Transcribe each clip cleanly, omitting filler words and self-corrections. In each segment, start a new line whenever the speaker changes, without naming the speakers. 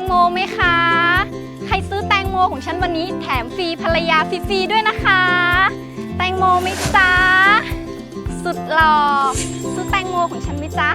โมไหมคะใครซื้อแตงโมของฉันวันนี้แถมฟรีภรรยาฟรีๆด้วยนะคะแตงโมไหมจ๊ะสุดหล่อซื้อแตงโมของฉันไหมจ๊ะ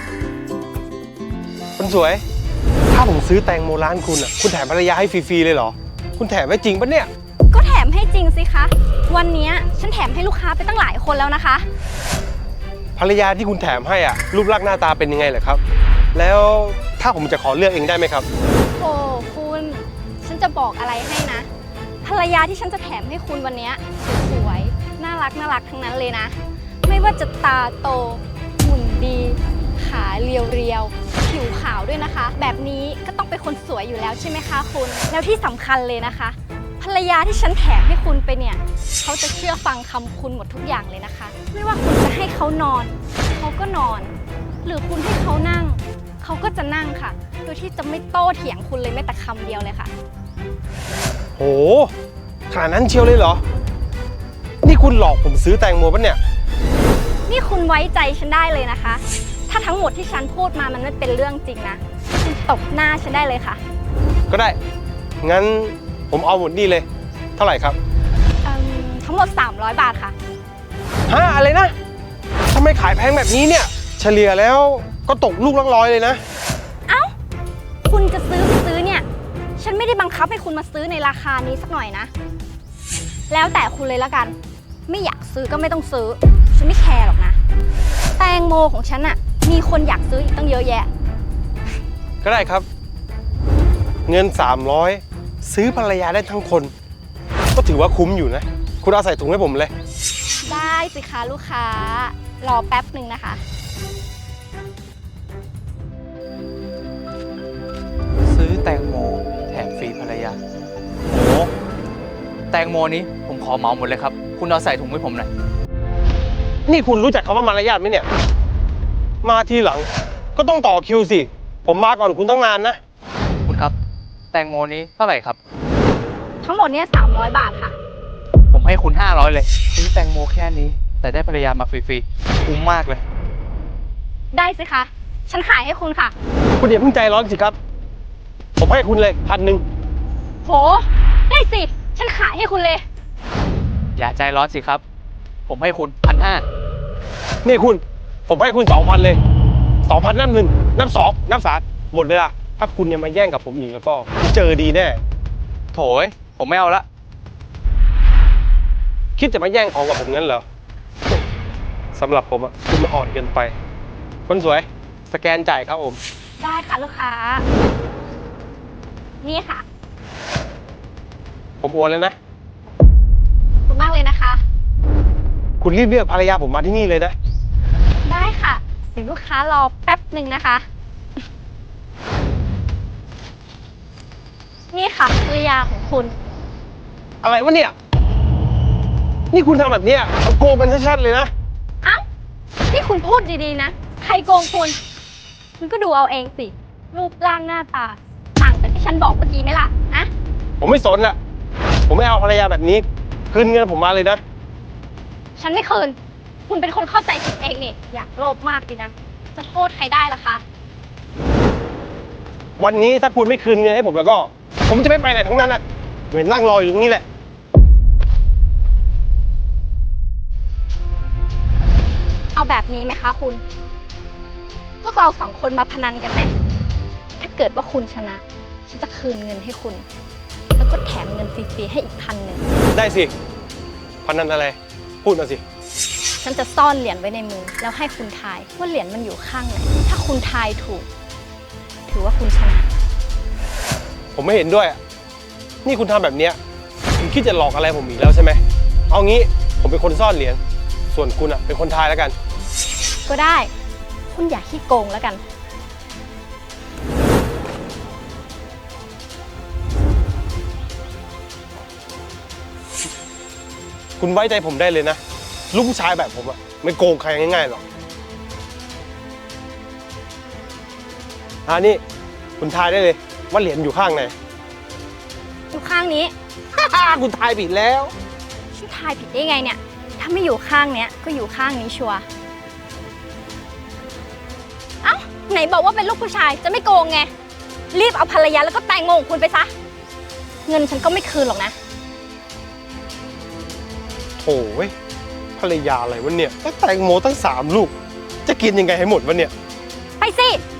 คนสวยถ้าผมซื้อแตงโมร้านคุณอ่ะคุณแถมภรรยาให้ฟรีๆเลยเหรอคุณแถมไว้จริงปะเนี่ย
ก็แถมให้จริงสิคะวันนี้ฉันแถมให้ลูกค้าไปตั้งหลายคนแล้วนะคะ
ภรรยาที่คุณแถมให้อ่ะรูปลักษณ์หน้าตาเป็นยังไงเหรอครับแล้วถ้าผมจะขอเลือกเองได้ไหมครับ
โอ้คุณฉันจะบอกอะไรให้นะภรรยาที่ฉันจะแถมให้คุณวันนี้สวยๆน่ารักทั้งนั้นเลยนะไม่ว่าจะตาโตหุ่นดีขาเรียวๆผิวขาวด้วยนะคะแบบนี้ก็ต้องเป็นคนสวยอยู่แล้วใช่ไหมคะคุณแล้วที่สำคัญเลยนะคะภรรยาที่ฉันแถมให้คุณไปเนี่ยเขาจะเชื่อฟังคำคุณหมดทุกอย่างเลยนะคะไม่ว่าคุณจะให้เขานอนเขาก็นอนหรือคุณให้เขานั่งเขาก็จะนั่งค่ะโดยที่จะไม่โต้เถียงคุณเลยแม้แต่คำเดียวเลยค่ะ
โหขนาดนั้นเชียวเลยเหรอนี่คุณหลอกผมซื้อแตงโมปะเนี่ย
นี่คุณไว้ใจฉันได้เลยนะคะถ้าทั้งหมดที่ฉันพูดมามันไม่เป็นเรื่องจริงนะคุณตบหน้าฉันได้เลยค่ะ
ก็ได้งั้นผมเอาหมดนี่เลยเท่าไหร่ครับ
ทั้งหมด300 บาทค่ะ
ฮะอะไรนะทำไมขายแพงแบบนี้เนี่ยเฉลี่ยแล้วก็ตกลูกละ100เลยนะ
เอ้าคุณจะซื้อไม่ซื้อเนี่ยฉันไม่ได้บังคับให้คุณมาซื้อในราคานี้สักหน่อยนะแล้วแต่คุณเลยละกันไม่อยากซื้อก็ไม่ต้องซื้อฉันไม่แคร์หรอกนะแตงโมของฉันอะมีคนอยากซื้ออีกตั้งเยอะแยะ
ก็ได้ครับเงิน300ซื้อภรรยาได้ทั้งคนก็ถือว่าคุ้มอยู่นะคุณเอาใส่ถุงให้ผมเลย
ได้สิคะลูกค้ารอแป๊บหนึ่งนะคะ
ซื้อแตงโมแถมฟรีภรรยาโอ้แตงโมนี้ผมขอเหมาหมดเลยครับคุณเอาใส่ถุงให้ผมหน่อย
นี่คุณรู้จักคำว่ามารยาทไหมเนี่ยมาทีหลังก็ต้องต่อคิวสิผมมาก่อนคุณต้องนานนะ
คุณครับแตงโมนี้เท่าไหร่ครับ
ทั้งหมดเนี่ย300 บาทค่ะ
ผมให้คุณ500เลยซื้อแตงโมแค่นี้แต่ได้ภรรยามาฟรีๆคุ้มมากเลย
ได้สิคะฉันขายให้คุณค่ะ
คุณอย่าเพิ่งใจร้อนสิครับผมให้คุณเลย1,000
โหได้สิฉันขายให้คุณเลย
อย่าใจร้อนสิครับผมให้คุณ1,500
นี่คุณผมให้คุณ2,000เลย2,000นับ1นับ2นับ3หมดเลยล่ะถ้าคุณยังมาแย่งกับผมอีกแล้วก็เจอดีแน่
โถยผมไม่เอาละ
คิดจะมาแย่งของกับผมงั้นเหรอสำหรับผมอะคุณมาอ่อนเกินไปคนสวยสแกนจ่ายครับผม
ได้ค่ะลูกค้านี่ค่ะ
ผมโอนเลยนะ
ขอบคุณมากเลยนะคะ
คุณรีบเลือกภรรยาผมมาที่นี่เลยนะ
ได้ค่ะเดี๋ยวลูกค้ารอแป๊บหนึ่งนะคะนี่ค่ะภรรยาของคุณ
อะไรวะเนี่ยนี่คุณทำแบบเนี้ยมันโกงกันชัดๆเลยนะ
เอ้านี่คุณพูดดีๆนะใครโกงคุณก็ดูเอาเองสิรูปร่างหน้าตาต่างจากที่ฉันบอกเมื่อกี้ไหมล่ะอะ
ผมไม่สนอะผมไม่เอาภรรยาแบบนี้คืนเงินผมมาเลยนะ
ฉันไม่คืนคุณเป็นคนเข้าใจผิดเองนี่อยากโลภมากดีนะจะโทษใครได้ล่ะคะ
วันนี้ถ้าคุณไม่คืนเงินให้ผมแล้วก็ผมจะไม่ไปไหนทั้งนั้นอะเหมือนนั่งรออยู่ตรงนี้แหละ
เอาแบบนี้ไหมคะคุณพวกเรา2 คนมาพนันกันไหมถ้าเกิดว่าคุณชนะฉันจะคืนเงินให้คุณแล้วก็แถมเงินฟรีๆให้อีก1,000
ได้สิพนันอะไรพูดมาสิ
ฉันจะซ่อนเหรียญไว้ในมือแล้วให้คุณทายว่าเหรียญมันอยู่ข้างไหนถ้าคุณทายถูกถือว่าคุณชนะ
ผมไม่เห็นด้วยนี่คุณทำแบบเนี้ยคุณคิดจะหลอกอะไรผมอีกแล้วใช่ไหมเอางี้ผมเป็นคนซ่อนเหรียญส่วนคุณอะเป็นคนทายแล้วกัน
ก็ได้คุณอย่าขี้โกงแล้วกัน
คุณไว้ใจผมได้เลยนะลูกผู้ชายแบบผมอะไม่โกงใครง่ายๆหรอกนี่คุณทายได้เลยว่าเหรียญอยู่ข้างไหน
อยู่ข้างนี้
คุณทายผิดแล้ว
ฉันทายผิดได้ไงเนี่ยถ้าไม่อยู่ข้างเนี้ยก็อยู่ข้างนี้ชัวร์เอ้าไหนบอกว่าเป็นลูกผู้ชายจะไม่โกงไงรีบเอาภรรยาแล้วก็แตงโมของคุณไปซะ เงินฉันก็ไม่คืนหรอกนะ
โถ่เว้ยภรรยาอะไรวะเนี่ยแล้วแตงโมตั้ง3 ลูก จะกินยังไงให้หมดวะเนี่ย
ไปสิ